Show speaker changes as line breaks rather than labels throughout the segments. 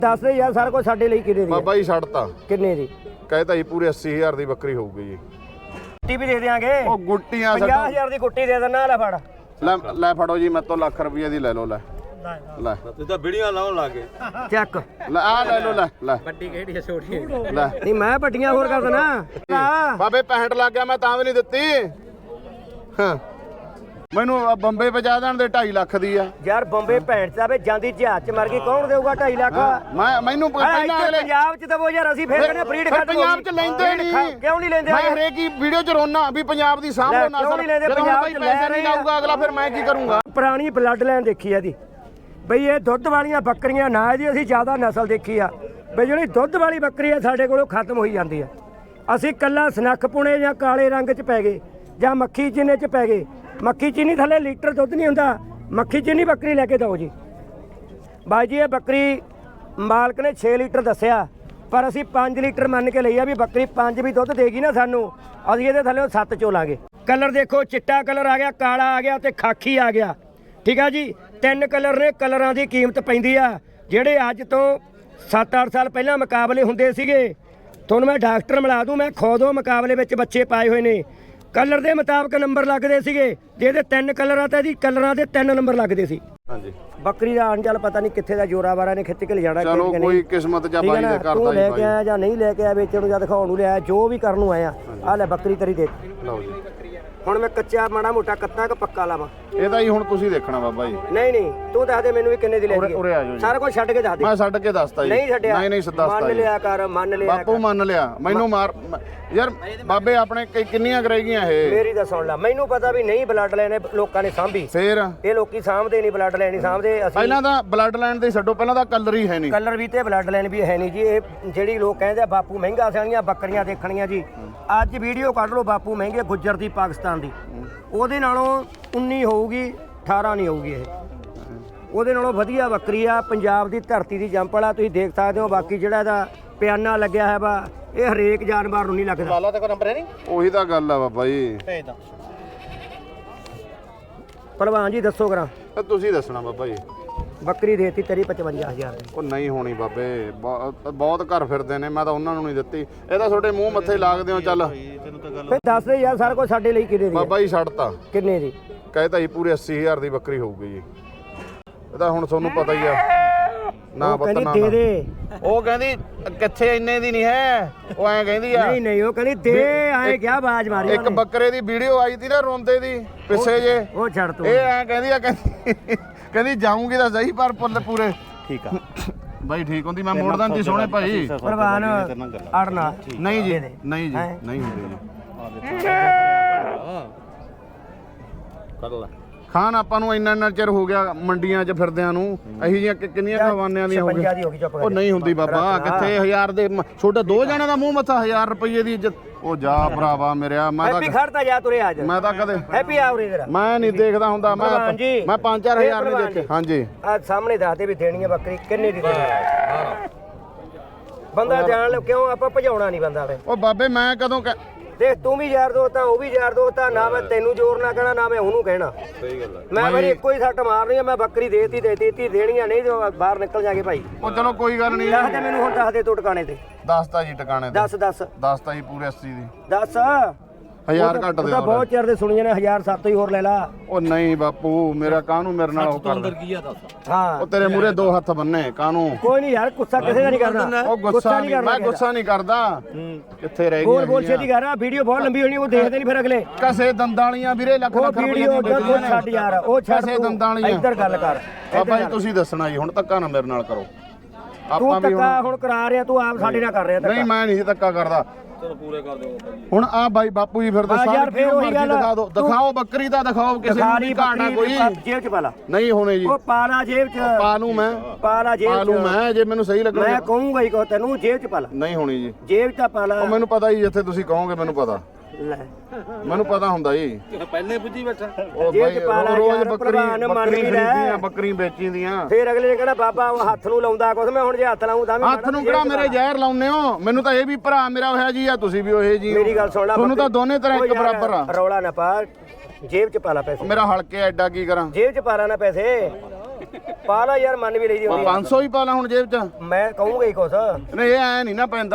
ਦੱਸ ਦੇ ਯਾਰ ਸਾਰਾ ਕੁਝ ਸਾਡੇ ਲਈ ਕਿੰਨੇ ਦੀ
ਬਾਬਾ ਜੀ ਛੱਡਤਾ
ਕਿੰਨੇ ਦੀ
कहता जी पूरे 80,000 ਦੀ ਬੱਕਰੀ ਹੋਊਗੀ ਜੀ
ਗੁੱਟੀ ਵੀ ਦੇ ਦਿਆਂਗੇ
ਉਹ ਗੁੱਟੀਆਂ
50,000 ਦੀ ਗੁੱਟੀ ਦੇ ਦੇਣਾ ਲੈ ਫੜ
ਲੈ ਫੜੋ ਜੀ ਮੈਂ ਤੋਂ ਲੱਖ ਰੁਪਏ ਦੀ ਲੈ ਲਓ ਲੈ
ਤੂੰ ਤਾਂ ਵੀਡੀਓ ਲਾਉਣ ਲੱਗੇ
ਚੱਕ
ਲੈ ਆ ਲੈ ਲਓ ਲੈ
ਵੱਡੀ ਕਿਹੜੀ ਹੈ ਛੋਟੀ
ਲੈ
ਨਹੀਂ ਮੈਂ ਵੱਡੀਆਂ ਹੋਰ ਕਰ ਦੇਣਾ
ਬਾਬੇ 65 ਲੱਗ ਗਿਆ ਮੈਂ ਤਾਂ ਵੀ ਨਹੀਂ ਦਿੱਤੀ ਹਾਂ ਮੈਨੂੰ ਬੰਬੇ ਪਹੁੰਚਾ ਦੇਣ ਦੇ 2.5 ਲੱਖ ਦੀ ਆ
ਯਾਰ ਬੰਬੇ ਭੈਣ ਚਾਵੇ ਜਾਂਦੀ ਜਹਾਜ਼ ਚ ਮਰ ਗਈ ਕੌਣ ਦੇਊਗਾ 2.5 ਲੱਖ
ਮੈਨੂੰ ਪਹਿਲਾਂ ਅਗਲੇ
ਪੰਜਾਬ ਚ ਦਵੋ ਯਾਰ ਅਸੀਂ ਫੇਰ ਕਹਿੰਦੇ ਬਰੀਡ ਖੱਟ
ਪੰਜਾਬ ਚ ਲੈਂਦੇ ਨਹੀਂ
ਕਿਉਂ ਨਹੀਂ ਲੈਂਦੇ
ਮੈਂ ਹਰੇਕ ਹੀ ਵੀਡੀਓ ਚ ਰੋਣਾ ਵੀ ਪੰਜਾਬ ਦੀ ਸਾਂਭੋ ਨਾ
ਕਿਉਂ ਨਹੀਂ ਲੈਂਦੇ ਪੰਜਾਬ ਚ
ਪੈਸੇ ਨਹੀਂ ਲਾਊਗਾ ਅਗਲਾ ਫਿਰ ਮੈਂ ਕੀ ਕਰੂੰਗਾ
ਪੁਰਾਣੀ ਬਲੱਡ ਲਾਈਨ ਦੇਖੀ ਇਹਦੀ ਬਈ ਇਹ ਦੁੱਧ ਵਾਲੀਆਂ ਬੱਕਰੀਆਂ ਨਾ ਇਹਦੀ ਅਸੀਂ ਜ਼ਿਆਦਾ ਨਸਲ ਦੇਖੀ ਆ ਬਈ ਜਿਹੜੀ ਦੁੱਧ ਵਾਲੀ ਬੱਕਰੀ ਆ ਸਾਡੇ ਕੋਲੋਂ ਖਤਮ ਹੋਈ ਜਾਂਦੀ ਆ ਅਸੀਂ ਕੱਲਾ ਸਨੱਖ ਪੁਣੇ ਜਾਂ ਕਾਲੇ ਰੰਗ ਚ ਪੈ ਗਏ ਜਾਂ ਮੱਖੀ ਚੀਨੇ ਚ ਪੈ ਗਏ ਮੱਖੀ ਚੀਨੀ ਥੱਲੇ ਲੀਟਰ ਦੁੱਧ ਨਹੀਂ ਹੁੰਦਾ ਮੱਖੀ ਚੀਨੀ ਬੱਕਰੀ ਲੈ ਕੇ ਦਿਓ ਜੀ ਬਾਈ ਜੀ ਇਹ ਬੱਕਰੀ ਮਾਲਕ ਨੇ 6 ਲੀਟਰ ਦੱਸਿਆ ਪਰ ਅਸੀਂ 5 ਲੀਟਰ ਮੰਨ ਕੇ ਲਈ ਆ ਵੀ ਬੱਕਰੀ 5 ਵੀ ਦੁੱਧ ਦੇਗੀ ਨਾ ਸਾਨੂੰ ਅਸੀਂ ਇਹਦੇ ਥੱਲੇ 7 ਚੋਲਾਂਗੇ ਕਲਰ ਦੇਖੋ ਚਿੱਟਾ ਕਲਰ ਆ ਗਿਆ ਕਾਲਾ ਆ ਗਿਆ ਤੇ ਖਾਕੀ ਆ ਗਿਆ ਠੀਕ ਆ ਜੀ 3 ਕਲਰ ਨੇ ਕਲਰਾਂ ਦੀ ਕੀਮਤ ਪੈਂਦੀ ਆ ਜਿਹੜੇ ਅੱਜ ਤੋਂ 7-8 ਸਾਲ ਪਹਿਲਾਂ ਮੁਕਾਬਲੇ ਹੁੰਦੇ ਸੀਗੇ ਤੁਹਾਨੂੰ ਮੈਂ ਡਾਕਟਰ ਮਿਲਾ ਦੂੰ ਮੈਂ ਖੁਦ ਮੁਕਾਬਲੇ ਵਿੱਚ ਬੱਚੇ ਪਾਏ ਹੋਏ ਨੇ ਕਲਰ ਦੇ ਮੁਤਾਬਕ ਨੰਬਰ ਲੱਗਦੇ ਸੀਗੇ ਜਿਹਦੇ 3 ਕਲਰ ਆ ਤਾਂ ਇਹਦੀ ਕਲਰਾਂ ਦੇ 3 ਨੰਬਰ ਲੱਗਦੇ ਸੀ
ਹਾਂਜੀ
ਬੱਕਰੀ ਦਾ ਅਣਚਲ ਪਤਾ ਨਹੀਂ ਕਿੱਥੇ ਦਾ ਜੋਰਾਵਾਰਾ ਨੇ ਖਿੱਚ ਕੇ ਲੈ ਜਾਣਾ
ਚਲੋ ਕੋਈ ਕਿਸਮਤ ਜਾਂ ਬਾਈ ਦੇ ਕਰਦਾ
ਤੂੰ
ਜੀ
ਲੈ
ਬਾਈ
ਕੇ ਆਇਆ ਜਾਂ ਨਹੀਂ ਲੈ ਕੇ ਆਇਆ ਵੇਚਣ ਨੂੰ ਜਾਂ ਦਿਖਾਉਣ ਨੂੰ ਲਿਆਇਆ ਜੋ ਵੀ ਕਰਨ ਨੂੰ ਆਇਆ ਆ ਲੈ ਬੱਕਰੀ ਤੇਰੀ ਦੇ
ਲਓ ਜੀ
ਹੁਣ ਮੈਂ ਕੱਚਾ ਮਾੜਾ ਮੋਟਾ ਕੱਤਾ ਕਿ ਪੱਕਾ ਲਾਵਾਂ
ਇਹਦਾ ਹੀ ਹੁਣ ਤੁਸੀਂ ਦੇਖਣਾ ਬਾਬਾ ਜੀ
ਨਹੀਂ ਨਹੀਂ ਤੂੰ ਦੱਸ ਦੇ ਮੈਨੂੰ ਵੀ ਕਿੰਨੇ ਦੀ ਲੈ ਗਈ
ਉਰੇ ਆ ਜਾਓ ਜੀ
ਸਾਰਾ ਕੁਝ ਛੱਡ ਕੇ ਦੱਸ ਦੇ
ਮੈਂ ਛੱਡ ਕੇ ਦੱਸਤਾ ਜੀ
ਨਹੀਂ ਛੱਡਿਆ
ਨਹੀਂ ਦੱਸਤਾ
ਮੰਨ
ਜੀ
ਲਿਆ ਕਰ ਮੰਨ ਲਿਆ
ਬਾਪੂ ਮੰਨ ਲਿਆ ਮੈਨੂੰ ਮਾਰ ਯਾਰ ਬਾਬੇ ਆਪਣੇ ਕਿੰਨੀਆਂ ਕਰੇਗੀਆਂ ਇਹ
ਮੇਰੀ ਤਾਂ ਸੁਣ ਲੈ ਮੈਨੂੰ ਪਤਾ ਵੀ ਨਹੀਂ ਬਲੱਡ ਲਾਈਨ ਲੋਕਾਂ ਨੇ ਸਾਂਭੀ
ਫੇਰ
ਇਹ ਲੋਕੀ ਸਾਂਭਦੇ ਨਹੀਂ ਬਲੱਡ ਲਾਈਨ ਨਹੀਂ ਸਾਂਭਦੇ ਅਸੀਂ
ਪਹਿਲਾਂ ਤਾਂ ਬਲੱਡ ਲਾਈਨ ਦੇ ਛੱਡੋ ਪਹਿਲਾਂ ਤਾਂ ਕਲਰ ਹੀ ਹੈ ਨਹੀਂ
ਕਲਰ ਵੀ ਤੇ ਬਲੱਡ ਲਾਈਨ ਵੀ ਹੈ ਨਹੀਂ ਜੀ ਇਹ ਜਿਹੜੀ ਲੋਕ ਕਹਿੰਦੇ ਆ ਬਾਪੂ ਮਹਿੰਗਾ ਸਿਆਣੀਆਂ ਬੱਕਰੀਆਂ ਦੇਖਣੀਆਂ ਜੀ ਅੱਜ ਵੀਡੀਓ ਕੱਢ ਲਓ ਬਾਪੂ ਮਹਿੰਗੇ ਗੁੱਜਰ ਦੀ ਪਾਕਿਸਤਾਨ ਦੀ ਉਹਦੇ ਨਾਲੋਂ 19 ਹੋਊਗੀ 18 ਨਹੀਂ ਹੋਊਗੀ ਇਹ ਉਹਦੇ ਨਾਲੋਂ ਵਧੀਆ ਬੱਕਰੀ ਆ ਪੰਜਾਬ ਦੀ ਧਰਤੀ ਦੀ ਜੰਪਲ ਆ ਤੁਸੀਂ ਦੇਖ ਸਕਦੇ ਹੋ ਬਾਕੀ ਜਿਹੜਾ ਇਹਦਾ ਪਿਆਨਾ ਲੱਗਿਆ ਹੈ ਵਾ ਇਹ ਹਰੇਕ ਜਾਨਵਰ ਨੂੰ ਨਹੀਂ ਲੱਗਦਾ
ਲਾਲਾ ਤੇ ਕੋਈ ਨੰਬਰ ਹੈ ਨਹੀਂ
ਉਹੀ ਤਾਂ ਗੱਲ ਆ ਬਾਬਾ ਜੀ
ਭੇਜ ਦਾ
ਭਲਵਾਨ ਜੀ ਦੱਸੋ ਕਰਾਂ
ਤਾਂ ਤੁਸੀਂ ਦੱਸਣਾ ਬਾਬਾ ਜੀ
ਬੱਕਰੀ ਦੇਤੀ ਤੇਰੀ 55,000 ਦੀ
ਉਹ ਨਹੀਂ ਹੋਣੀ ਬਾਬੇ ਬਹੁਤ ਘਰ ਫਿਰਦੇ ਨੇ ਮੈਂ ਤਾਂ ਉਹਨਾਂ ਨੂੰ ਨਹੀਂ ਦਿੱਤੀ ਇਹ ਤਾਂ ਤੁਹਾਡੇ ਮੂੰਹ ਮੱਥੇ ਲੱਗਦੇ ਹੋ ਚੱਲ
ਤੈਨੂੰ ਤਾਂ ਗੱਲ
ਫੇ ਦੱਸ ਦੇ ਯਾਰ ਸਾਰਾ ਕੁਝ ਸਾਡੇ ਲਈ ਕਿੰਨੇ ਦੀ
ਬਾਬਾ ਜੀ ਛੱਡਤਾ
ਕਿੰਨੇ ਦੀ
ਕਹਿੰਦਾ ਜੀ ਪੂਰੇ 80,000 ਦੀ ਬੱਕਰੀ ਹੋਊਗੀ ਜੀ ਇਹਦਾ ਹੁਣ ਤੁਹਾਨੂੰ ਪਤਾ ਹੀ ਆ ਨਾ ਪਤਾ ਨਾ
ਕਹਿੰਦੀ ਦੇ ਦੇ
ਉਹ ਕਹਿੰਦੀ ਕਿੱਥੇ ਇੰਨੇ ਦੀ ਨਹੀਂ ਹੈ ਉਹ ਐਂ ਕਹਿੰਦੀ ਆ
ਨਹੀਂ ਨਹੀਂ ਉਹ ਕਹਿੰਦੀ ਦੇ ਆਏ ਕਿਆ ਬਾਜ ਮਾਰੀ
ਇੱਕ ਬੱਕਰੇ ਦੀ ਵੀਡੀਓ ਆਈ ਸੀ ਨਾ ਰੋਂਦੇ ਦੀ ਪਿੱਛੇ ਜੇ
ਉਹ ਛੱਡ ਤੂੰ
ਇਹ ਐਂ ਕਹਿੰਦੀ ਆ ਕਹਿੰਦੀ ਜਾਊਂਗੀ ਤਾਂ ਸਹੀ ਪਰ ਪੂਰੇ
ਠੀਕ ਆ
ਬਾਈ ਠੀਕ ਹੁੰਦੀ ਮੈਂ ਮੋੜਦਾ ਜੀ ਸੋਹਣੇ ਭਾਈ
ਪ੍ਰਵਾਨ ਅੜਨਾ
ਨਹੀਂ ਜੀ ਨਹੀਂ ਜੀ ਨਹੀਂ ਹੁੰਦੀ ਜੀ
ਕਰ ਲੈ
ਖਾਨ ਆਪਾਂ ਨੂੰ ਇੰਨਾ ਚਿਰ ਹੋ ਗਿਆ ਮੰਡੀਆਂ 'ਚ ਫਿਰਦਿਆਂ ਨੂੰ ਅਹੀ ਜੀਆਂ ਕਿੰਨੀਆਂ ਖਵਾਨਿਆਂ ਦੀਆਂ ਹੋ ਗਈਆਂ
ਦੀ ਹੋ ਗਈ ਚੁੱਪ
ਉਹ ਨਹੀਂ ਹੁੰਦੀ ਬਾਬਾ ਕਿੱਥੇ 1000 ਦੇ ਛੋਟੇ ਦੋ ਜਣਾਂ ਦਾ ਮੂੰਹ ਮੱਥਾ 1000 ਰੁਪਏ ਦੀ ਇੱਜ਼ਤ ਉਹ ਜਾ ਭਰਾਵਾ ਮੇਰਿਆ ਮੈਂ
ਹੈਪੀ ਖੜਤਾ ਜਾ ਤੁਰੇ ਅੱਜ
ਮੈਂ ਤਾਂ ਕਦੇ
ਹੈਪੀ ਆ ਉਰੇ ਜਰਾ
ਮੈਂ ਨਹੀਂ ਦੇਖਦਾ ਹੁੰਦਾ ਮੈਂ 5-4000 ਨਹੀਂ ਦੇਖੇ ਹਾਂਜੀ
ਆ ਸਾਹਮਣੇ ਦੱਸ ਦੇ ਵੀ ਦੇਣੀ ਹੈ ਬੱਕਰੀ ਕਿੰਨੇ ਦੀ ਦੇਣੀ ਬੰਦਾ ਜਾਣ ਲਓ ਕਿਉਂ ਆਪਾਂ ਭਜਾਉਣਾ ਨਹੀਂ ਬੰਦਾ ਵੇ
ਉਹ ਬਾਬੇ ਮੈਂ ਕਦੋਂ
ਦੇਖ ਤੂੰ ਵੀ ਯਾਰ ਦੋਸਤ ਆ ਉਹ ਵੀ ਯਾਰ ਦੋਸਤ ਆ ਨਾ ਮੈਂ ਤੈਨੂੰ ਜ਼ੋਰ ਨਾ ਕਹਿਣਾ ਨਾ ਮੈਂ ਉਹਨੂੰ ਕਹਿਣਾ
ਸਹੀ ਗੱਲ ਹੈ
ਮੈਂ ਮੇਰੀ ਇੱਕੋ ਹੀ ਸੱਟ ਮਾਰਨੀ ਆ ਮੈਂ ਬੱਕਰੀ ਦੇਤੀ ਦੇਣੀਆਂ ਨਹੀਂ ਤੇ ਬਾਹਰ ਨਿਕਲ ਜਾਗੇ ਭਾਈ
ਉਹ ਚਲੋ ਕੋਈ ਗੱਲ ਨਹੀਂ
ਦੱਸ ਦੇ ਮੈਨੂੰ ਹੁਣ ਦੱਸ ਦੇ ਤੂੰ ਟਿਕਾਣੇ ਤੇ
ਦੱਸਤਾ ਜੀ ਟਿਕਾਣੇ ਤੇ ਦੱਸਤਾ ਜੀ ਪੂਰੇ 80 ਦੀ
ਦੱਸ
1000 ਘੱਟ ਦੇ
ਤਾਂ ਬਹੁਤ ਚਿਰ ਦੇ ਸੁਣੀਆਂ ਨੇ 1007 ਹੀ ਹੋਰ ਲੈ ਲਾ
ਉਹ ਨਹੀਂ ਬਾਪੂ ਮੇਰਾ ਕਾਹਨੂੰ ਮੇਰੇ ਨਾਲ ਉਹ ਕਰਦਾ
ਕੀ ਆ ਦੱਸ
ਹਾਂ
ਉਹ ਤੇਰੇ ਮੂਰੇ 2 ਹੱਥ ਬੰਨੇ ਕਾਹਨੂੰ
ਕੋਈ ਨਹੀਂ ਯਾਰ ਗੁੱਸਾ ਕਿਸੇ ਦਾ ਨਹੀਂ ਕਰਨਾ
ਉਹ ਗੁੱਸਾ ਨਹੀਂ ਮੈਂ ਗੁੱਸਾ ਨਹੀਂ ਕਰਦਾ ਕਿੱਥੇ ਰਹਿ
ਗੋਲ ਗੋਲ ਛੇਤੀ ਕਰ ਆ ਵੀਡੀਓ ਬਹੁਤ ਲੰਬੀ ਹੋਣੀ ਉਹ ਦੇਖਦੇ ਨਹੀਂ ਫਿਰ ਅਗਲੇ
ਕਸੇ ਦੰਦਾਂ ਵਾਲੀਆਂ ਵੀਰੇ ਲੱਖ
ਉਹ
ਰੁਪਏ
ਵੀਡੀਓ
ਦੀਆਂ
ਛੱਡ ਯਾਰ ਉਹ ਛੱਡ
ਕਸੇ ਦੰਦਾਂ ਵਾਲੀਆਂ
ਇੱਧਰ ਗੱਲ ਕਰ
ਬਾਬਾ ਜੀ ਤੁਸੀਂ ਦੱਸਣਾ ਜੀ ਹੁਣ ਧੱਕਾ ਨਾ ਮੇਰੇ ਨਾਲ ਕਰੋ
ਤੂੰ ਧੱਕਾ ਹੁਣ ਕਰਾ ਰਿਹਾ ਤੂੰ ਆਪ ਸਾਡੇ ਨਾਲ ਕਰ ਰਿਹਾ ਧੱਕਾ
ਨਹੀਂ ਮੈਂ ਨਹੀਂ ਧੱਕਾ ਕਰਦਾ
ਚਲੋ ਪੂਰੇ ਕਰ ਦਿਓ ਬਾਬਾ ਜੀ
ਹੁਣ ਆ ਬਾਈ ਬਾਪੂ ਜੀ ਫਿਰ ਦੱਸੋ
ਯਾਰ ਫੇਰ ਉਹੀ ਗੱਲ
ਦਿਖਾ ਦਿਓ ਦਿਖਾਓ ਬੱਕਰੀ ਦਾ ਦਿਖਾਓ ਕਿਸੇ ਨੂੰ ਨਹੀਂ ਘਾਟਾ ਕੋਈ
ਜੇਬ ਚ ਪਾ ਲਾ
ਨਹੀਂ ਹੋਣੇ ਜੀ
ਉਹ ਪਾ ਲਾ ਜੇਬ ਚ
ਪਾ ਲੂ ਮੈਂ
ਪਾ ਲਾ ਜੇਬ
ਪਾ ਲੂ ਮੈਂ ਜੇ ਮੈਨੂੰ ਸਹੀ ਲੱਗਣਾ
ਮੈਂ ਕਹੂੰਗਾ ਹੀ ਕੋ ਤੈਨੂੰ ਜੇਬ ਚ ਪਾ ਲਾ
ਨਹੀਂ ਹੋਣੀ ਜੀ
ਜੇਬ ਚ ਪਾ ਲਾ
ਉਹ ਮੈਨੂੰ ਪਤਾ ਜੀ ਜਿੱਥੇ ਤੁਸੀਂ ਕਹੋਗੇ ਮੈਨੂੰ ਪਤਾ
ਲੈ
ਮੈਨੂੰ ਪਤਾ ਹੁੰਦਾ ਜੀ
ਪਹਿਲੇ ਪੁੱਜੀ ਬੈਠਾ
ਉਹ
ਜੇਬ
ਬਾਈ
ਚ ਪਾ ਲਾ
ਰੋਜ਼
ਯਾਰ, ਭਲਵਾਨ ਮੰਨ
ਬੱਕਰੀ
ਵੀ ਲੈ।
ਖਰੀਦੀਆਂ ਬੱਕਰੀ ਵੇਚੀਆਂ
ਫੇਰ ਅਗਲੇ ਨੇ ਕਹਿਣਾ ਬਾਬਾ ਉਹ ਹੱਥ ਨੂੰ ਲਾਉਂਦਾ ਕੁਛ ਮੈਂ ਹੁਣ ਜੇ ਹੱਥ ਲਾਉਂ ਤਾਂ ਵੀ
ਹੱਥ ਨੂੰ ਕਿਹੜਾ ਮੇਰੇ ਜ਼ਹਿਰ ਲਾਉਨੇ ਹੋ ਮੈਨੂੰ ਤਾਂ ਇਹ ਵੀ ਭਰਾ ਮੇਰਾ ਹੋਇਆ ਜੀ ਆ ਤੁਸੀਂ ਵੀ ਉਹੇ ਜੀ
ਮੇਰੀ ਗੱਲ ਸੁਣ ਲੈ
ਤੁਹਾਨੂੰ ਤਾਂ ਦੋਨੇ ਤਰ੍ਹਾਂ ਇੱਕ ਬਰਾਬਰ ਆ
ਰੌਲਾ ਨਾ ਪਾ ਜੇਬ ਚ ਪਾ ਲਾ ਪੈਸੇ
ਮੇਰਾ ਹਲਕੇ ਐਡਾ ਕੀ ਕਰਾਂ
ਜੇਬ ਚ ਪਾ ਲਾ ਨਾ ਪੈਸੇ ਪਾ ਲਾ ਯਾਰ, ਮੰਨ ਵੀ ਲਈ ਦੀ ਹੁੰਦੀ ਆ।
500 ਹੀ ਪਾ ਲਾ ਹੁਣ ਜੇਬ 'ਚ।
ਮੈਂ ਕਹੂੰਗਾ ਹੀ ਕੁਛ।
ਨਹੀਂ ਇਹ ਐ ਨਹੀਂ ਨਾ ਪੈਂਦਾ,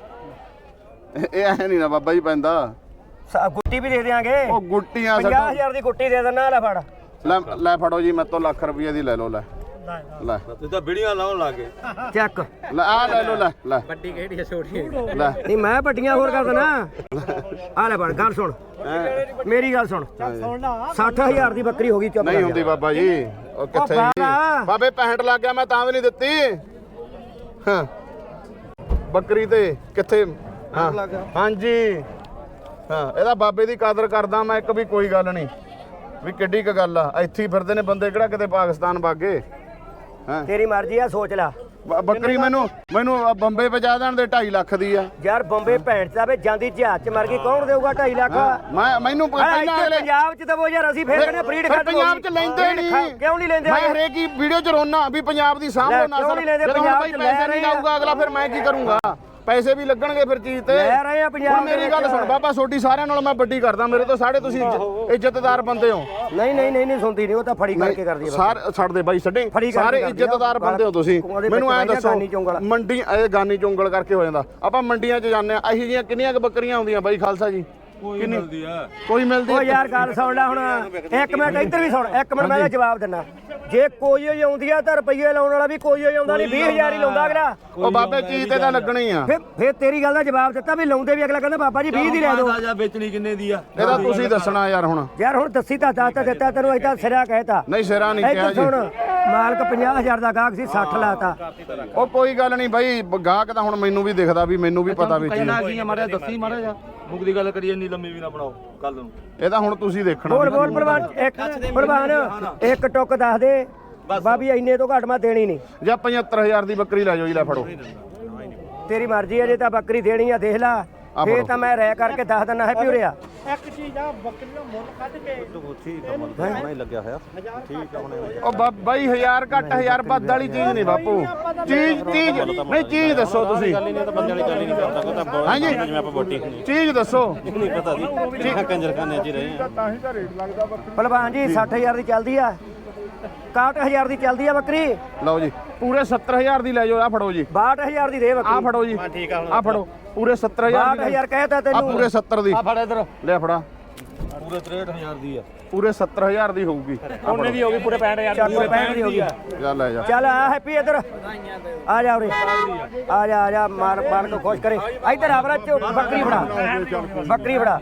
ਇਹ ਐ ਨਹੀਂ ਨਾ ਬਾਬਾ ਜੀ ਪੈਂਦਾ।
ਗੁੱਟੀ ਵੀ ਦੇ ਦਿਆਂਗੇ।
ਉਹ ਗੁੱਟੀਆਂ
50,000 ਦੀ ਗੁੱਟੀ ਦੇ ਦੇਣਾ। ਲੈ ਫੜ,
ਲੈ ਫੜੋ ਜੀ, ਮੇਰੇ ਤੋਂ ਲੱਖ ਰੁਪਏ ਦੀ ਲੈ ਲਓ। ਲੈ
ਤੂੰ ਤਾਂ ਵੀਡੀਓ ਲਾਉਣ ਲੱਗ ਗਏ।
ਚੱਕ।
ਲੈ ਆ ਲੈ ਲਓ। ਲੈ
ਵੱਡੀ ਕਿਹੜੀ ਹੈ ਛੋਟੀ
ਲੈ
ਨਹੀਂ ਮੈਂ ਵੱਡੀਆਂ ਹੋਰ ਕਰ ਦੇਣਾ। ਆ ਲੈ ਫੜ, ਗੱਲ ਸੁਣ, ਮੇਰੀ ਗੱਲ ਸੁਣ। 60,000 ਦੀ ਬੱਕਰੀ ਹੋ ਗਈ, ਚੁੱਪ
ਨਹੀਂ
ਕਰ
ਹੁੰਦੀ
ਜਾ।
ਬਾਬਾ ਜੀ। ਉਹ ਕਿੱਥੇ ਜੀ ਬਾਬੇ 65 ਲੱਗ ਗਿਆ, ਮੈਂ ਤਾਂ ਵੀ ਨਹੀਂ ਦਿੱਤੀ। ਹਾਂ ਬੱਕਰੀ ਤੇ ਕਿੱਥੇ? ਹਾਂ ਹਾਂਜੀ ਹਾਂ, ਇਹਦਾ ਬਾਬੇ ਦੀ ਕਦਰ ਕਰਦਾ ਮੈਂ ਇੱਕ ਵੀ, ਕੋਈ ਗੱਲ ਨਹੀਂ ਵੀ ਕਿੱਡੀ ਕ ਗੱਲ ਆ। ਇੱਥੇ ਹੀ ਫਿਰਦੇ ਨੇ ਬੰਦੇ, ਕਿਹੜਾ ਕਿਤੇ ਪਾਕਿਸਤਾਨ ਭਾਗੇ। ਹਾਂ
ਤੇਰੀ ਮਰਜ਼ੀ ਆ, ਸੋਚ ਲੈ।
ਬੱਕਰੀ ਮੈਨੂੰ ਬੰਬੇ ਪਹੁੰਚਾ ਦੇਣ ਦੇ 2.5 ਲੱਖ ਦੀ ਆ
ਯਾਰ ਬੰਬੇ ਭੈਣ ਚਾਵੇ ਜਾਂਦੀ ਜਹਾਜ਼ ਚ ਮਰ ਗਈ, ਕੌਣ ਦੇਊਗਾ 2.5 ਲੱਖ?
ਮੈਨੂੰ ਪਹਿਲਾਂ ਅਗਲੇ
ਪੰਜਾਬ ਚ ਦਵੋ ਯਾਰ, ਅਸੀਂ ਫੇਰ ਕਹਿੰਦੇ ਬਰੀਡ ਖਤਮ ਹੋ ਗਈ।
ਪੰਜਾਬ ਚ ਲੈਂਦੇ ਨਹੀਂ।
ਕਿਉਂ ਨਹੀਂ ਲੈਂਦੇ?
ਮੈਂ ਹਰੇਕ ਹੀ ਵੀਡੀਓ ਚ ਰੋਣਾ ਵੀ ਪੰਜਾਬ ਦੀ ਸਾਂਭ ਲਓ ਨਾ
ਕਿਉਂ
ਸਰ।
ਨਹੀਂ ਲੈਂਦੇ?
ਜਦੋਂ
ਪੰਜਾਬ
ਭਾਈ
ਚ
ਪੈਸੇ
ਲੈ
ਨਹੀਂ
ਰਹੇ ਆ।
ਲਾਊਗਾ ਅਗਲਾ, ਫਿਰ ਮੈਂ ਕੀ ਕਰੂੰਗਾ? ਪੈਸੇ ਵੀ ਲੱਗਣਗੇ ਫਿਰ ਚੀਜ਼ ਤੇ।
ਲੈ ਰਹੇ ਆ ਪੰਜਾਬ
ਹੁਣ ਮੇਰੀ ਗੱਲ ਸੁਣ ਬਾਬਾ, ਛੋਟੀ ਸਾਰਿਆਂ ਨਾਲੋਂ ਮੈਂ ਵੱਡੀ ਕਰਦਾ, ਮੇਰੇ ਤੋਂ ਸਾਰੇ ਤੁਸੀਂ ਇੱਜ਼ਤਦਾਰ ਬੰਦੇ ਹੋ।
ਨਹੀਂ ਸੁਣਦੀ ਨਹੀਂ, ਉਹ ਤਾਂ ਫੜੀ ਕਰਕੇ ਕਰਦੀ ਹੈ।
ਸਾਰੇ ਛੱਡਦੇ ਬਾਈ ਛੱਡੇ,
ਫੜੀ
ਸਾਰੇ
ਕਰਕੇ
ਇੱਜ਼ਤਦਾਰ ਬੰਦੇ ਹੋ ਤੁਸੀਂ। ਮੈਨੂੰ ਐਂ ਦੱਸੋ,
ਗਾਨੀ ਚੁੰਗਲ।
ਮੰਡੀ ਇਹ ਗਾਨੀ ਚੁੰਗਲ ਕਰਕੇ ਹੋ ਜਾਂਦਾ। ਆਪਾਂ ਮੰਡੀਆਂ 'ਚ ਜਾਂਦੇ ਆ, ਇਹੀ ਜਿਹੀਆਂ ਕਿੰਨੀਆਂ ਕੁ ਬੱਕਰੀਆਂ ਆਉਂਦੀਆਂ ਬਾਈ ਖਾਲਸਾ ਜੀ?
ਕੋਈ ਮਿਲਦੀ ਆ,
ਕੋਈ ਮਿਲਦੀ?
ਉਹ ਯਾਰ ਗੱਲ ਸੁਣ ਲੈ ਹੁਣ, ਇੱਕ ਮਿੰਟ ਇੱਧਰ ਵੀ ਸੁਣ, ਇੱਕ ਮਿੰਟ ਮੈਂ ਇਹਦਾ ਜਵਾਬ ਦਿੰਦਾ। ਜੇ ਕੋਈ ਹੋਈ ਆਉਂਦੀ ਆ ਤਾਂ ਰੁਪਈਏ ਲਾਉਣ ਵਾਲਾ ਵੀ ਕੋਈ ਹੋਈ ਆਉਂਦਾ ਨਹੀਂ, 20,000 ਹੀ ਲਾਉਂਦਾ ਅਗਲਾ।
ਉਹ ਬਾਬੇ ਚੀਜ਼ ਤੇ ਤਾਂ ਲੱਗਣਾ ਹੀ ਆ।
ਫਿਰ ਤੇਰੀ ਗੱਲ ਦਾ ਜਵਾਬ ਦਿੱਤਾ ਵੀ ਲਾਉਂਦੇ ਵੀ, ਅਗਲਾ ਕਹਿੰਦਾ ਬਾਬਾ ਜੀ 20 ਦੀ ਲੈ ਦਿਓ।
ਜਾਂ ਵੇਚਣੀ ਕਿੰਨੇ ਦੀ ਆ?
ਇਹਦਾ ਤੁਸੀਂ ਦੱਸਣਾ ਯਾਰ ਹੁਣ।
ਯਾਰ ਹੁਣ ਦੱਸੀ ਤਾਂ ਦੱਸ ਤਾਂ ਦਿੱਤਾ ਤੈਨੂੰ, ਏਦਾਂ ਸਿਰਾ ਕਹਿਤਾ।
ਨਹੀਂ ਸਿਰਾ ਨਹੀਂ ਕਿਹਾ
ਇੱਧਰ
ਜੀ।
ਸੁਣ, ਮਾਲਕ 50,000 ਦਾ ਗਾਹਕ ਸੀ, 60 ਲਾਤਾ।
ਉਹ ਕੋਈ ਗੱਲ ਨਹੀਂ ਬਾਈ, ਗਾਹਕ ਤਾਂ ਹੁਣ ਮੈਨੂੰ ਵੀ ਦਿਖਦਾ ਵੀ, ਮੈਨੂੰ ਵੀ ਪਤਾ ਵੀ ਚੀਜ਼।
ਕਿੰਨਾ ਕੀ ਮਾਰਿਆ ਦੱਸੀ ਮਾਰਿਆ ਜਾ, ਮੁੱਕ ਦੀ ਗੱਲ ਕਰੀਏ, ਇੰਨੀ ਲੰਮੀ ਵੀ ਨਾ ਬਣਾਓ ਕੱਲ ਨੂੰ।
ਇਹ ਤਾਂ ਹੁਣ ਤੁਸੀਂ ਦੇਖਣਾ।
ਬੋਲ ਪ੍ਰਵਾਨ, ਇੱਕ ਟੁੱਕ ਦੱਸ ਦੇ ਬਾਬੀ, ਇੰਨੇ ਤੋਂ ਘੱਟ ਮੈਂ ਦੇਣੀ ਨਹੀਂ।
ਜਾਂ 75,000 ਦੀ ਬੱਕਰੀ ਲੈ ਜਾਓ ਜੀ, ਲੈ ਫੜੋ।
ਤੇਰੀ ਮਰਜ਼ੀ ਹੈ, ਜੇ ਤਾਂ ਬੱਕਰੀ ਦੇਣੀ ਆ ਦੇਖ ਲੈ, ਫੇਰ ਤਾਂ ਮੈਂ ਰਹਿ ਕਰਕੇ ਦੱਸ ਦਿੰਦਾ ਹੈ ਪਿਉਰਿਆ।
ਇੱਕ ਚੀਜ਼ ਆ, ਬੱਕਰੀ ਦਾ ਮੁੱਲ ਕੱਢ ਕੇ
ਉਹ ਬਾਈ 1000 ਘੱਟ 1000 ਵੱਧ ਵਾਲੀ ਚੀਜ਼ ਨਹੀਂ ਬਾਪੂ। ਚੀਜ਼ ਨਹੀਂ, ਚੀਜ਼ ਦੱਸੋ ਤੁਸੀਂ। ਹਾਂਜੀ ਚੀਜ਼ ਦੱਸੋ।
ਭਲਵਾਨ ਜੀ 60,000 ਦੀ ਚੱਲਦੀ ਆ, 61,000 ਦੀ ਚੱਲਦੀ ਆ ਬੱਕਰੀ।
ਲਓ ਜੀ ਪੂਰੇ 70,000 ਦੀ ਲੈ ਜਾਓ। ਆ ਫੜੋ ਜੀ,
62,000 ਦੀ ਦੇ
ਆ
ਬੱਕਰੀ।
ਫੜੋ ਜੀ, ਆ ਫੜੋ ਪੂਰੇ 70,000 ਦੀ।
62,000 ਕਹਿਤਾ
ਆ
ਤੈਨੂੰ।
ਪੂਰੇ 70 ਦੀ।
ਆ ਫੜ ਇਧਰ,
ਲੈ ਫੜਾ,
ਪੂਰੇ 63,000 ਦੀ ਆ।
ਪੂਰੇ 70,000 ਦੀ ਹੋਊਗੀ।
ਉਹਨੇ ਦੀ ਹੋ ਗਈ ਪੂਰੇ 65,000
ਚੱਲ 65 ਦੀ ਹੋ ਗਈ।
ਚੱਲ ਲੈ ਜਾ।
ਚੱਲ ਆ ਹੈਪੀ ਇੱਧਰ ਆ ਜਾ ਉਰੇ, ਆ ਜਾ ਮਾਰ ਨੂੰ ਖੁਸ਼ ਕਰੇ। ਇੱਧਰ ਆ ਬਰਾ, ਬੱਕਰੀ ਫੜਾ, ਬੱਕਰੀ ਫੜਾ।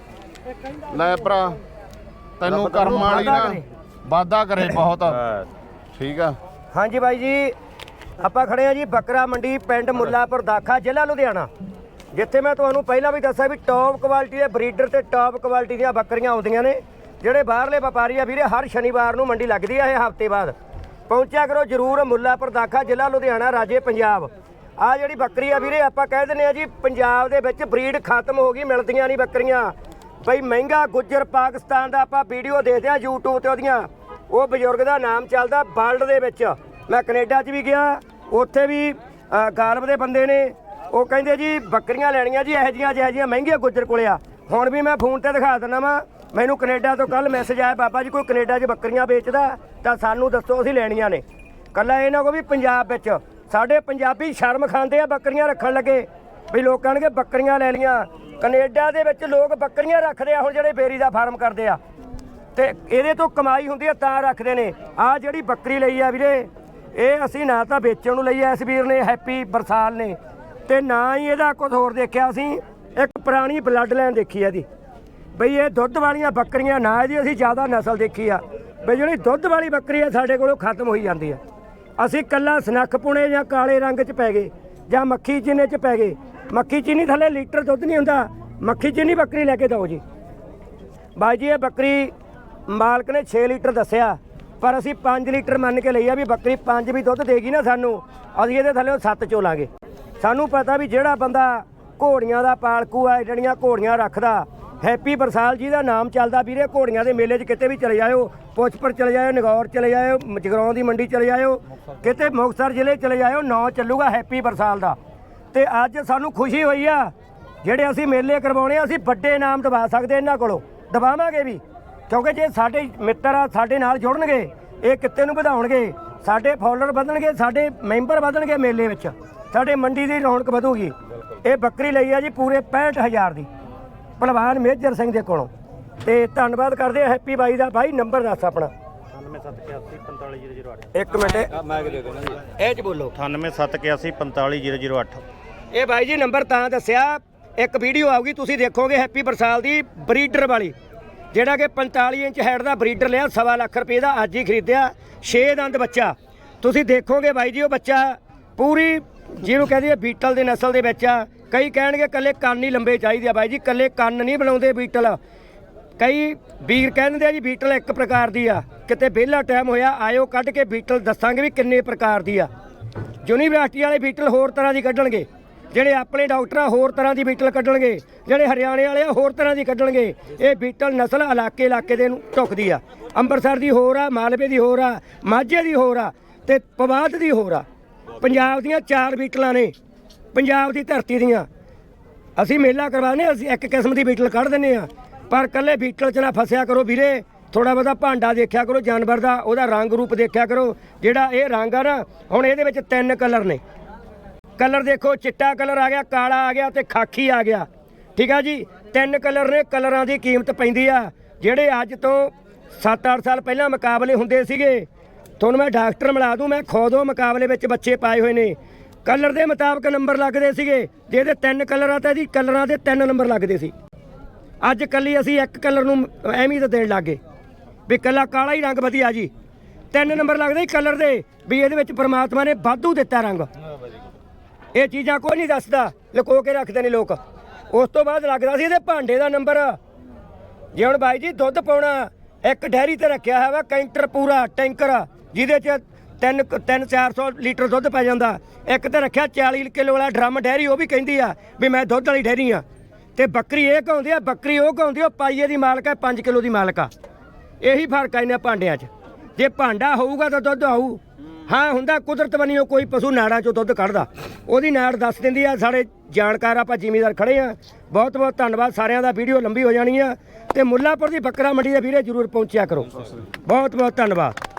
ਲੈ ਭਰਾ, ਤੈਨੂੰ ਕਰਮ ਵਾਲੀ ਨਾ ਵਾਦਾ ਕਰੇ ਬਹੁਤ। ਠੀਕ ਆ।
ਹਾਂਜੀ ਬਾਈ ਜੀ, ਆਪਾਂ ਖੜੇ ਆ ਜੀ ਬੱਕਰਾ ਮੰਡੀ, ਪਿੰਡ ਮੁੱਲਾਪੁਰ ਦਾਖਾ, ਜ਼ਿਲ੍ਹਾ ਲੁਧਿਆਣਾ, ਜਿੱਥੇ ਮੈਂ ਤੁਹਾਨੂੰ ਪਹਿਲਾਂ ਵੀ ਦੱਸਿਆ ਵੀ ਟੌਪ ਕੁਆਲਿਟੀ ਦੇ ਬਰੀਡਰ ਤੇ ਟੌਪ ਕੁਆਲਿਟੀ ਦੀਆਂ ਬੱਕਰੀਆਂ ਆਉਂਦੀਆਂ ਨੇ। ਜਿਹੜੇ ਬਾਹਰਲੇ ਵਪਾਰੀ ਆ ਵੀਰੇ, ਹਰ ਸ਼ਨੀਵਾਰ ਨੂੰ ਮੰਡੀ ਲੱਗਦੀ ਆ, ਇਹ ਹਫ਼ਤੇ ਬਾਅਦ ਪਹੁੰਚਿਆ ਕਰੋ ਜਰੂਰ। ਮੁੱਲਾਪੁਰ ਦਾਖਾ, ਜ਼ਿਲ੍ਹਾ ਲੁਧਿਆਣਾ, ਰਾਜੇ ਪੰਜਾਬ। ਆ ਜਿਹੜੀ ਬੱਕਰੀ ਆ ਵੀਰੇ, ਆਪਾਂ ਕਹਿ ਦਿੰਦੇ ਆ ਜੀ ਪੰਜਾਬ ਦੇ ਵਿੱਚ ਬਰੀਡ ਖਤਮ ਹੋ ਗਈ, ਮਿਲਦੀਆਂ ਨਹੀਂ ਬੱਕਰੀਆਂ ਬਈ। ਮਹਿੰਗਾ ਗੁੱਜਰ ਪਾਕਿਸਤਾਨ ਦਾ ਆਪਾਂ ਵੀਡੀਓ ਦੇਖਦੇ ਆ YouTube ਤੇ, ਉਹਦੀਆਂ ਉਹ ਬਜ਼ੁਰਗ ਦਾ ਨਾਮ ਚੱਲਦਾ ਵਰਲਡ ਦੇ ਵਿੱਚ। ਮੈਂ ਕੈਨੇਡਾ 'ਚ ਵੀ ਗਿਆ, ਉੱਥੇ ਵੀ ਗਾਲਬ ਦੇ ਬੰਦੇ ਨੇ, ਉਹ ਕਹਿੰਦੇ ਜੀ ਬੱਕਰੀਆਂ ਲੈਣੀਆਂ ਜੀ ਇਹੋ ਜਿਹੀਆਂ ਮਹਿੰਗੀਆਂ ਗੁੱਜਰ ਕੋਲੇ ਆ। ਹੁਣ ਵੀ ਮੈਂ ਫੋਨ ਤੇ ਦਿਖਾ ਦਿੰਦਾ ਵਾ, ਮੈਨੂੰ ਕੈਨੇਡਾ ਤੋਂ ਕੱਲ ਮੈਸੇਜ ਆਇਆ, ਬਾਬਾ ਜੀ ਕੋਈ ਕੈਨੇਡਾ 'ਚ ਬੱਕਰੀਆਂ ਵੇਚਦਾ ਤਾਂ ਸਾਨੂੰ ਦੱਸੋ, ਅਸੀਂ ਲੈਣੀਆਂ ਨੇ। ਕੱਲਾ ਇਹ ਨਾ ਕੋ ਵੀ ਪੰਜਾਬ ਵਿੱਚ ਸਾਡੇ ਪੰਜਾਬੀ ਸ਼ਰਮ ਖਾਂਦੇ ਆ ਬੱਕਰੀਆਂ ਰੱਖਣ ਲੱਗੇ, ਵੀ ਲੋਕਾਂ ਨੇ ਬੱਕਰੀਆਂ ਲੈ ਲੀਆਂ। ਕੈਨੇਡਾ ਦੇ ਵਿੱਚ ਲੋਕ ਬੱਕਰੀਆਂ ਰੱਖਦੇ ਆ, ਹੁਣ ਜਿਹੜੇ ਬੇਰੀ ਦਾ ਫਾਰਮ ਕਰਦੇ ਆ ਤੇ ਇਹਦੇ ਤੋਂ ਕਮਾਈ ਹੁੰਦੀ ਆ ਤਾਂ ਰੱਖਦੇ ਨੇ। ਆ ਜਿਹੜੀ ਬੱਕਰੀ ਲਈ ਆ ਵੀਰੇ, ਇਹ ਅਸੀਂ ਨਾ ਤਾਂ ਵੇਚਣ ਨੂੰ ਲਈ ਆ ਇਸ ਵੀਰ ਨੇ, ਹੈਪੀ ਬਰਸਾਲ ਨੇ, ਤੇ ਨਾ ਹੀ ਇਹਦਾ ਕੁਝ ਹੋਰ ਦੇਖਿਆ। ਅਸੀਂ ਇੱਕ ਪੁਰਾਣੀ ਬਲੱਡ ਲਾਈਨ ਦੇਖੀ ਆ ਇਹਦੀ, ਬਈ ਇਹ ਦੁੱਧ ਵਾਲੀਆਂ ਬੱਕਰੀਆਂ ਨਾ ਇਹਦੀ ਅਸੀਂ ਜ਼ਿਆਦਾ ਨਸਲ ਦੇਖੀ ਆ, ਬਈ ਜਿਹੜੀ ਦੁੱਧ ਵਾਲੀ ਬੱਕਰੀ ਆ ਸਾਡੇ ਕੋਲੋਂ ਖਤਮ ਹੋਈ ਜਾਂਦੀ ਆ। ਅਸੀਂ ਕੱਲਾ ਸਨੱਖ ਪੁਣੇ ਜਾਂ ਕਾਲੇ ਰੰਗ 'ਚ ਪੈ ਗਏ ਜਾਂ ਮੱਖੀ ਚੀਨੇ 'ਚ ਪੈ ਗਏ। ਮੱਖੀ ਚੀਨੀ ਥੱਲੇ ਲੀਟਰ ਦੁੱਧ ਨਹੀਂ ਹੁੰਦਾ, ਮੱਖੀ ਚੀਨੀ ਬੱਕਰੀ ਲੈ ਕੇ ਦਿਓ ਜੀ। ਬਾਈ ਜੀ ਇਹ ਬੱਕਰੀ ਮਾਲਕ ਨੇ 6 ਲੀਟਰ ਦੱਸਿਆ, ਪਰ ਅਸੀਂ 5 ਲੀਟਰ ਮੰਨ ਕੇ ਲਈ ਆ ਵੀ ਬੱਕਰੀ 5 ਵੀ ਦੁੱਧ ਦੇਗੀ ਨਾ ਸਾਨੂੰ, ਅਸੀਂ ਇਹਦੇ ਥੱਲੇ 7 ਚੋਲਾਂਗੇ। ਸਾਨੂੰ ਪਤਾ ਵੀ ਜਿਹੜਾ ਬੰਦਾ ਘੋੜੀਆਂ ਦਾ ਪਾਲਕੂ ਆ, ਜਿਹੜੀਆਂ ਘੋੜੀਆਂ ਰੱਖਦਾ, ਹੈਪੀ ਬਰਸਾਲ ਜੀ ਦਾ ਨਾਮ ਚੱਲਦਾ ਵੀਰੇ। ਘੋੜੀਆਂ ਦੇ ਮੇਲੇ 'ਚ ਕਿਤੇ ਵੀ ਚਲੇ ਜਾਇਓ, ਪੁੱਛਪੁਰ ਚਲੇ ਜਾਇਓ, ਨਗੌਰ ਚਲੇ ਜਾਇਓ, ਜਗਰਾਉਂ ਦੀ ਮੰਡੀ ਚਲੇ ਜਾਇਓ, ਕਿਤੇ ਮੁਕਤਸਰ ਜ਼ਿਲ੍ਹੇ ਚਲੇ ਜਾਇਓ, ਨਾਂ ਚੱਲੂਗਾ ਹੈਪੀ ਬਰਸਾਲ ਦਾ। ਤੇ ਅੱਜ ਸਾਨੂੰ ਖੁਸ਼ੀ ਹੋਈ ਆ, ਜਿਹੜੇ ਅਸੀਂ ਮੇਲੇ ਕਰਵਾਉਣੇ ਆ, ਅਸੀਂ ਵੱਡੇ ਇਨਾਮ ਦਵਾ ਸਕਦੇ ਇਹਨਾਂ ਕੋਲੋਂ, ਦਵਾਵਾਂਗੇ ਵੀ, ਕਿਉਂਕਿ ਜੇ ਸਾਡੇ ਮਿੱਤਰ ਆ ਸਾਡੇ ਨਾਲ ਜੁੜਨਗੇ, ਇਹ ਕਿੱਤੇ ਨੂੰ ਵਧਾਉਣਗੇ। ਸਾਡੇ ਫਾਲੋਅਰ ਵਧਣਗੇ, ਸਾਡੇ ਮੈਂਬਰ ਵਧਣਗੇ ਮੇਲੇ ਵਿੱਚ, ਸਾਡੇ ਮੰਡੀ ਦੀ ਰੌਣਕ ਵਧੂਗੀ। ਇਹ ਬੱਕਰੀ ਲਈ ਆ ਜੀ ਪੂਰੇ 65,000 ਦੀ ਭਲਵਾਨ ਮੇਜਰ ਸਿੰਘ ਦੇ ਕੋਲੋਂ। ਤੇ ਧੰਨਵਾਦ ਕਰਦੇ ਆ ਹੈਪੀ ਬਾਈ ਦਾ। ਬਾਈ ਨੰਬਰ ਦੱਸ ਆਪਣਾ।
9781455008
ਇੱਕ ਮਿੰਟ
ਮੈਂ ਕਿ ਦੇ ਦੇਣਾ ਜੀ
ਇਹ ਚ ਬੋਲੋ।
9781455008
ਇਹ ਬਾਈ ਜੀ ਨੰਬਰ ਤਾਂ ਦੱਸਿਆ, ਇੱਕ ਵੀਡੀਓ ਆਊਗੀ ਤੁਸੀਂ ਦੇਖੋਗੇ ਹੈਪੀ ਬਰਸਾਲ ਦੀ ਬਰੀਡਰ ਵਾਲੀ, ਜਿਹੜਾ ਕਿ 45 ਇੰਚ ਹੈਡ ਦਾ ਬਰੀਡਰ ਲਿਆ, 1.25 ਲੱਖ ਰੁਪਏ ਦਾ, ਅੱਜ ਹੀ ਖਰੀਦਿਆ, 6 ਦੰਦ ਬੱਚਾ। ਤੁਸੀਂ ਦੇਖੋਗੇ ਬਾਈ ਜੀ ਉਹ ਬੱਚਾ ਪੂਰੀ ਜਿਹਨੂੰ ਕਹਿੰਦੇ ਆ ਬੀਟਲ ਦੇ ਨਸਲ ਦੇ ਵਿੱਚ ਆ। ਕਈ ਕਹਿਣਗੇ ਕੱਲੇ ਕੰਨ ਹੀ ਲੰਬੇ ਚਾਹੀਦੇ ਆ, ਬਾਈ ਜੀ ਕੱਲੇ ਕੰਨ ਨਹੀਂ ਬਣਾਉਂਦੇ ਬੀਟਲ। ਕਈ ਵੀਰ ਕਹਿੰਦੇ ਆ ਜੀ ਬੀਟਲ ਇੱਕ ਪ੍ਰਕਾਰ ਦੀ ਆ, ਕਿਤੇ ਵਿਹਲਾ ਟਾਈਮ ਹੋਇਆ ਆਇਓ ਕੱਢ ਕੇ ਬੀਟਲ ਦੱਸਾਂਗੇ ਵੀ ਕਿੰਨੇ ਪ੍ਰਕਾਰ ਦੀ ਆ। ਯੂਨੀਵਰਸਿਟੀ ਵਾਲੇ ਬੀਟਲ ਹੋਰ ਤਰ੍ਹਾਂ ਦੀ ਕੱਢਣਗੇ, ਜਿਹੜੇ ਆਪਣੇ ਡਾਕਟਰ ਆ ਹੋਰ ਤਰ੍ਹਾਂ ਦੀ ਬੀਟਲ ਕੱਢਣਗੇ, ਜਿਹੜੇ ਹਰਿਆਣੇ ਵਾਲੇ ਆ ਹੋਰ ਤਰ੍ਹਾਂ ਦੀ ਕੱਢਣਗੇ। ਇਹ ਬੀਟਲ ਨਸਲ ਇਲਾਕੇ ਦੇ ਨੂੰ ਢੁੱਕਦੀ ਆ। ਅੰਮ੍ਰਿਤਸਰ ਦੀ ਹੋਰ ਆ, ਮਾਲਵੇ ਦੀ ਹੋਰ ਆ, ਮਾਝੇ ਦੀ ਹੋਰ ਆ ਤੇ ਪਵਾਤ ਦੀ ਹੋਰ ਆ। ਪੰਜਾਬ ਦੀਆਂ 4 ਬੀਟਲਾਂ ਨੇ, ਪੰਜਾਬ ਦੀ ਧਰਤੀ ਦੀਆਂ। ਅਸੀਂ ਮੇਲਾ ਕਰਵਾਉਂਦੇ, ਅਸੀਂ ਇੱਕ ਕਿਸਮ ਦੀ ਬੀਟਲ ਕੱਢ ਦਿੰਦੇ ਆ, ਪਰ ਕੱਲੇ ਬੀਟਲ 'ਚ ਨਾ ਫਸਿਆ ਕਰੋ ਵੀਰੇ। ਥੋੜਾ ਬਹੁਤਾ ਭਾਂਡਾ ਦੇਖਿਆ ਕਰੋ ਜਾਨਵਰ ਦਾ, ਉਹਦਾ ਰੰਗ ਰੂਪ ਦੇਖਿਆ ਕਰੋ। ਜਿਹੜਾ ਇਹ ਰੰਗ ਆ ਨਾ, ਹੁਣ ਇਹਦੇ ਵਿੱਚ 3 ਕਲਰ ਨੇ। ਕਲਰ ਦੇਖੋ, ਚਿੱਟਾ ਕਲਰ ਆ ਗਿਆ, ਕਾਲਾ ਆ ਗਿਆ ਤੇ ਖਾਕੀ ਆ ਗਿਆ। ਠੀਕ ਆ ਜੀ, 3 ਕਲਰ ਨੇ। ਕਲਰਾਂ ਦੀ ਕੀਮਤ ਪੈਂਦੀ ਆ। ਜਿਹੜੇ ਅੱਜ ਤੋਂ 7-8 ਸਾਲ ਪਹਿਲਾਂ ਮੁਕਾਬਲੇ ਹੁੰਦੇ ਸੀਗੇ, ਤੁਹਾਨੂੰ ਮੈਂ ਡਾਕਟਰ ਮਿਲਾ ਦੂੰ, ਮੈਂ ਖੁਦ ਉਹ ਮੁਕਾਬਲੇ ਵਿੱਚ ਬੱਚੇ ਪਾਏ ਹੋਏ ਨੇ। ਕਲਰ ਦੇ ਮੁਤਾਬਕ ਨੰਬਰ ਲੱਗਦੇ ਸੀਗੇ। ਜੇ ਇਹਦੇ 3 ਕਲਰ ਆ ਤਾਂ ਇਹਦੀ ਕਲਰਾਂ ਦੇ 3 ਨੰਬਰ ਲੱਗਦੇ ਸੀ। ਅੱਜ ਕੱਲੀ ਅਸੀਂ ਇੱਕ ਕਲਰ ਨੂੰ ਅਹਿਮੀਅਤ ਦੇਣ ਲੱਗੇ ਵੀ ਕੱਲਾ ਕਾਲਾ ਹੀ ਰੰਗ ਵਧੀਆ ਜੀ। 3 ਨੰਬਰ ਲੱਗਦੇ ਸੀ ਕਲਰ ਦੇ, ਵੀ ਇਹਦੇ ਵਿੱਚ ਪ੍ਰਮਾਤਮਾ ਨੇ ਵਾਧੂ ਦਿੱਤਾ ਰੰਗ। ਇਹ ਚੀਜ਼ਾਂ ਕੋਈ ਨਹੀਂ ਦੱਸਦਾ, ਲੁਕੋ ਕੇ ਰੱਖਦੇ ਨੇ ਲੋਕ। ਉਸ ਤੋਂ ਬਾਅਦ ਲੱਗਦਾ ਸੀ ਇਹਦੇ ਭਾਂਡੇ ਦਾ ਨੰਬਰ। ਜੇ ਹੁਣ ਬਾਈ ਜੀ ਦੁੱਧ ਪਾਉਣਾ, ਇੱਕ ਡੈਰੀ ਤੇ ਰੱਖਿਆ ਹੋਇਆ ਵਾ ਕੈਂਟਰ ਪੂਰਾ ਟੈਂਕਰ, ਜਿਹਦੇ 'ਚ 300-400 ਲੀਟਰ ਦੁੱਧ ਪੈ ਜਾਂਦਾ। ਇੱਕ ਤੇ ਰੱਖਿਆ 40 ਕਿਲੋ ਵਾਲਾ ਡਰਮ ਡੈਰੀ, ਉਹ ਵੀ ਕਹਿੰਦੀ ਆ ਵੀ ਮੈਂ ਦੁੱਧ ਵਾਲੀ ਡੈਰੀ ਆ। ਤੇ ਬੱਕਰੀ ਇਹ ਕਹਾਉਂਦੀ ਆ, ਬੱਕਰੀ ਉਹ ਕਹਾਉਂਦੀ ਆ, ਪਾਈਏ ਦੀ ਮਾਲਕ ਹੈ, 5 ਕਿਲੋ ਦੀ ਮਾਲਕ ਆ। ਇਹੀ ਫਰਕ ਆ ਇਹਨਾਂ ਭਾਂਡਿਆਂ 'ਚ। ਜੇ ਭਾਂਡਾ ਹੋਊਗਾ ਤਾਂ ਦੁੱਧ ਆਊ। ਹਾਂ ਹੁੰਦਾ ਕੁਦਰਤ ਬਣੀਓ, ਕੋਈ ਪਸ਼ੂ ਨਾੜਾਂ 'ਚੋਂ ਦੁੱਧ ਕੱਢਦਾ, ਉਹਦੀ ਨਾੜ ਦੱਸ ਦਿੰਦੀ ਆ। ਸਾਡੇ ਜਾਣਕਾਰ ਆਪਾਂ ਜ਼ਿਮੀਦਾਰ ਖੜੇ ਆ। ਬਹੁਤ ਬਹੁਤ ਧੰਨਵਾਦ ਸਾਰਿਆਂ ਦਾ। ਵੀਡੀਓ ਲੰਬੀ ਹੋ ਜਾਣੀ ਆ। ਤੇ ਮੁੱਲਾਂਪੁਰ ਦੀ ਬੱਕਰਾ ਮੰਡੀ ਦੇ ਵੀਰੇ ਜ਼ਰੂਰ ਪਹੁੰਚਿਆ ਕਰੋ। ਬਹੁਤ ਬਹੁਤ ਧੰਨਵਾਦ।